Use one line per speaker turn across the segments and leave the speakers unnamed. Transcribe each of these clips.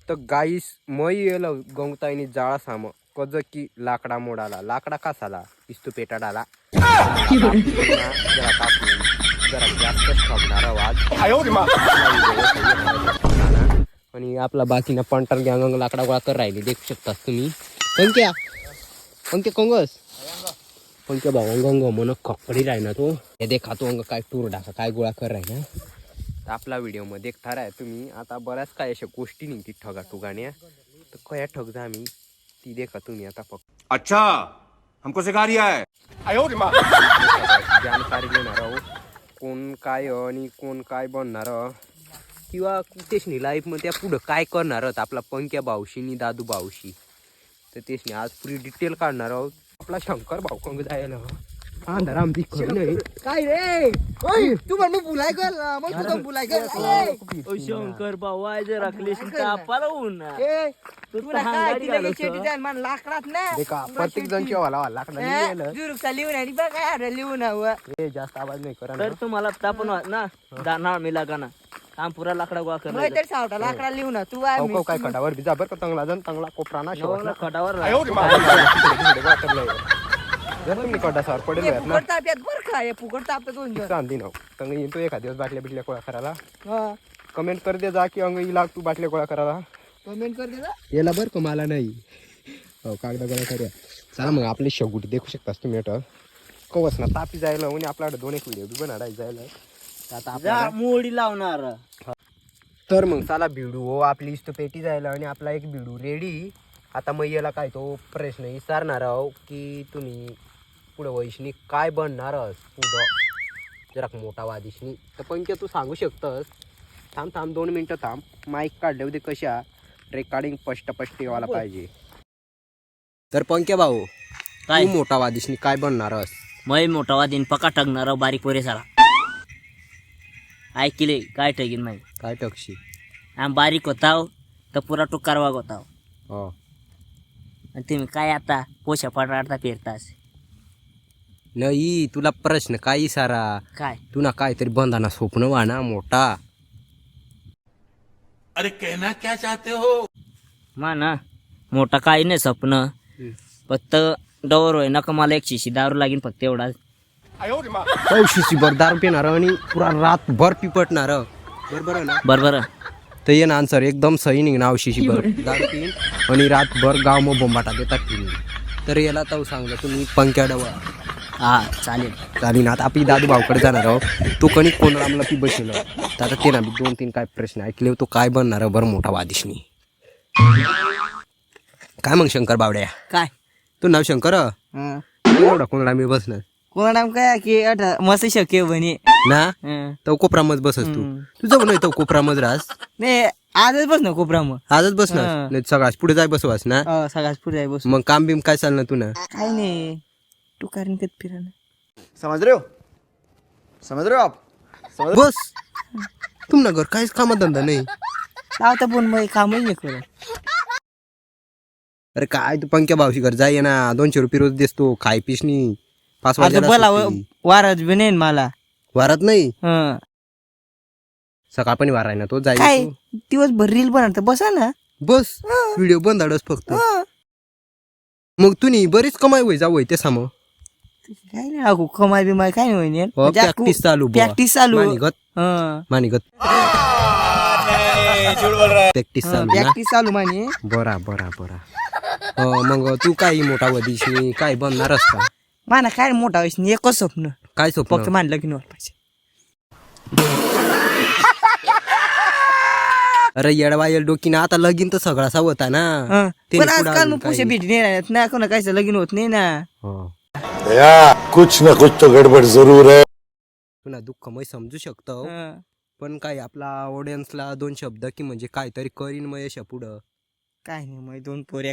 तर गाईस मै येलं गवताईनी जाळा साम कज की लाकडा मोडाला लाकडा कासाला इस्तू पेटाडाला जरा कापून जरा जास्तच ठोकणार आवाज आणि आपला बाकीना पंटर गँग लाकडा गोळा कर राहिली देखू शकता तुम्ही. पंक्या पंक्या कंगस पंक्या भाऊ अंग मन कपडी राहिना तो हे देखा तो अंग काय टूर डाका काय गोळा कर राहिना. तर आपला व्हिडिओ मध्ये देखता राहा तुम्ही. आता बऱ्याच काय अशा गोष्टी निघतील ठगा ठुगाण्या तर कया ठग जा आम्ही ती देखा तुम्ही आता फक्त.
अच्छा हमको सिखा रिया है
जानकारी घेणार आहो कोण काय आणि कोण काय बनणार किंवा तेचनी लाईफमध्ये पुढं काय करणार आहोत आपला पंक्या भाऊशी आणि दादू भाऊशी. तर तेचनी आज पुरी डिटेल काढणार आहोत. आपला शंकर भाऊ कंग जायला अंधाराम दिखत नाही
काय रे तू पण मग बुलाय कर मग तू पण बुलाय कर
शंकर भाऊ आज राखली तापाला ऊन
तुला काय तिला शेती जाईल मन लाकडात ना
देखा प्रत्येक जण केव्हा लाकडा
जुरुकचा लिहून आणि बघ काय लिहून हवं
हे जास्त आवाज नाही करा
तर तुम्हाला तापन ना दाना मिला का ना काम पुरा लाकडा गोळा कर
तर सावटा लाकडा लिहून तू
काय खडावर बिजा बर का चांगला जण चांगला कोपराना शेवटला
खटावर
जर तुम्ही कडा सार पडेल ना
फुकट ताप्यात बर का हे फुकट ताप्यात होऊन जाईल.
चांदी नाव तंग येतो एखाद दिवस बाटल्या बिटल्या गोळा करायला.
हा
कमेंट कर दे जा की अंग इला तू बाटल्या गोळा करायला
कमेंट कर दे ना
याला बरं का मला नाही हो कागदा गोळा करूया. चला मग आपली शेवटी देखू शकतास तुम्ही अट कवच ना तापी जायला आणि आपल्याकडे 2 एक व्हिडिओ बी बनाडाय जायला. आता आपल्याला
मोडी लावणार
तर मग चला भिडू हो आपली इस्त पेटी जायला आणि आपला एक भिडू रेडी. आता मग याला काय तो प्रश्न विचारणार आहो की तुम्ही पुढं वैष्णी काय बनणार पुढं जरा मोठा वादिशनी. तर पंक्या तू सांगू शकतस. थांब 2 मिनटं थांब. माईक काढले होते कशा रेकॉर्डिंग स्पष्ट व्हायला पाहिजे. तर पंक्या भाऊ
काय
तू मोठा वादिशनी काय बनणारस.
मै मोठा वादीन पका टगणार बारीक पोरे सारा ऐकले काय ठगीन माही
काय टकशी
आम बारीक होताव तर पुरा टुकार वाग होताव
हो
आणि तुम्ही काय आता पोशा पडाडता फिरतास.
नाही तुला प्रश्न काय सारा
काय
तुला काहीतरी बंधाना स्वप्न वाना मोठा.
अरे कहना क्या चाहते हो.
मा ना मोठा काही नाही स्वप्न फक्त डवर होय नका मला एक शिशी दारू लागेल फक्त एवढाच.
शिशी भर दारू पिणार आणि पुरा रातभर पिपटणार बरोबर ना.
बरोबर
तर ये ना आन्सर एकदम सही निघणार शिशी भर दारू पिन आणि रातभर गाव मग बोंबाटा देतात पिऊन. तर याला तो सांगलं तुम्ही पंक्या डवा
हा चालेल
चालेल. आता आपली दादू भाऊकडे जाणार आहो तो कणी कोण रामला पी बसलो. तर आता ते ना 2-3 काय प्रश्न ऐकले तो काय बनणार बरं मोठा वादिशनी. काय मग शंकर बावड्या
काय
तू नाव शंकर एवढा कोणला मी बसणार
कोणा काय की मस्त शक्य बने
ना तो कोपरामच बसस तू तुझं नाही तो कोपरामच राहस
नाही आजच बस ना कोपरा मग
आजच बसणार नाही सगळ्याच पुढे जाय बसवास ना.
सगळ्यात पुढे बस
मग काम बिम काय चालणार तू ना
काय नाही तू कारण कधी फिरा
समझ रहे हो आप
बस तुमना घर काहीच कामा धंदा नाही.
लावता पण मग कामही नाही करत.
अरे काय तू पंक्या भावशी घर जाय ना 200 रुपये रोज देतो खाय पिसनी 5
आता बोला
वाजता
वारच बी नाही मला
वारात नाही
हं.
सकाळ पण वार आहे ना तो जाय
काय दिवसभर रील बनवता बसा ना
बस व्हिडिओ बंद आडस फक्त. मग तुम्ही बरीच कमाई होई जावं ते साम
काय नाही अगो कमाई बिमाई काय नाही
प्रॅक्टिस चालू
प्रॅक्टिस चालू
मानिगत मानिगत प्रॅक्टिस चालू ना.
प्रॅक्टिस चालू माने
बरा बरा बरा मग तू काही मोठा वदिशी काय बनणारस का.
माना काय मोठा वयस नाही एकच स्वप्न
काय
फक्त
स्वप्न
मान लगीन व्हायला पाहिजे.
अरे येडवायल डोकी ना आता लगीन तर सगळासा होता ना.
हं.
ते
पण
पुढं
आजकाल
अजून
मग पुशे
काही.
भेटी नाही राहत ना कोणा कायचं लगीन होत नाही ना.
हो.
कुछ न कुछ तो गड़बड़ जरूर है.
तुला दुःख मी समजू शकतो
हं.
पण काय आपला ऑडियन्सला 2 शब्द की म्हणजे काहीतरी करीन मग यशा पुढं
काय नाही मग 2 पोऱ्या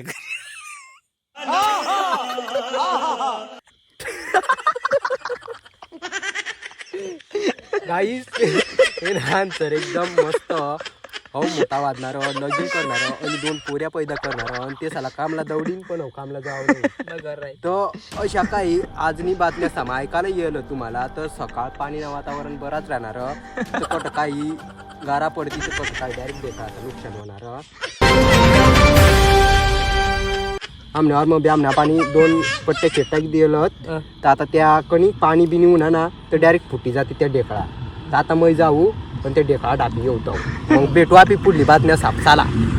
गाईस आन्सर एकदम मस्त. हो मोठा वाजणार लगीन करणार आणि 2 पोऱ्या पैदा करणार आणि ते साला कामला दौडीन पण हो कामला जावं. तर अशा काही आजनी बातम्या सामा ऐकायला येईल तुम्हाला. तर सकाळ पाणी वातावरण बराच राहणार तर कुठं काही गारा पडती तर कुठं काही डायरेक्ट देतात नुकसान होणार. आमण्यावर मग बी आमना पाणी 2 पट्टे खेटाक दिलं तर आता त्या कणी पाणी बिनी उन्हा ना तर डायरेक्ट फुटी जाते त्या ढेकळा. तर आता मै जाऊ पण ते ढेकळा डाबी येऊ मग भेटू आपली पुढली बातम्या साप. चला.